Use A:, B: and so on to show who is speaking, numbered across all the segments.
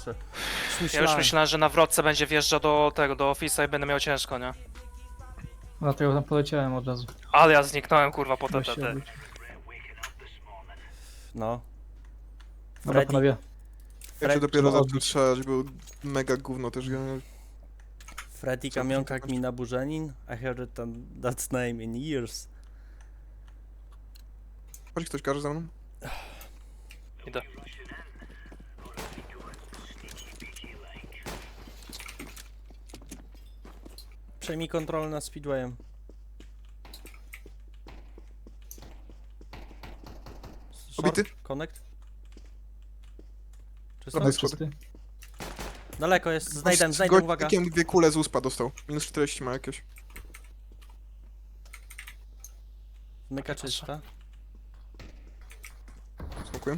A: jeszcze.
B: Ja już myślałem, że na wrotce będzie wjeżdżał do tego, do ofisa i będę miał ciężko, nie?
C: Dlatego tam poleciałem od razu.
B: Ale ja zniknąłem, kurwa, po
C: Weź się
B: TTT.
C: obróć.
A: No.
C: Dobra,
A: Freddy,
C: panowie.
D: Ja się dopiero
C: trzeba
D: zaczął strzelać, był mega gówno też.
A: Freddy Kamionka Gmina Burzenin. I heard that's name in years.
D: Chodź ktoś każe za mną?
B: Idę.
A: Przejmij kontrolę nad Speedwayem.
D: Obity?
A: Connect? Czysto?
D: Dobra, jest
C: Czysty.
A: Daleko jest, znajdę, uwaga.
D: Gościkiem 2 kule z uspa dostał. Minus 40 ma jakieś.
A: Myka czysta.
D: Smokuję.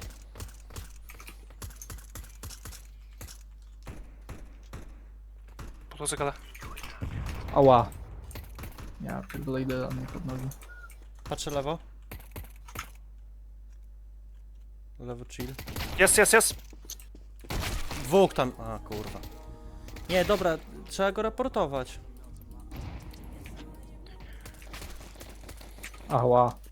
B: Po drodze gada.
C: Ała. Ja pierdolę idę na mnie pod nogi.
A: Patrzę lewo. Lewo chill.
B: Jest!
A: Dwóch tam. A kurwa. Nie, dobra, trzeba go raportować.
C: Ała.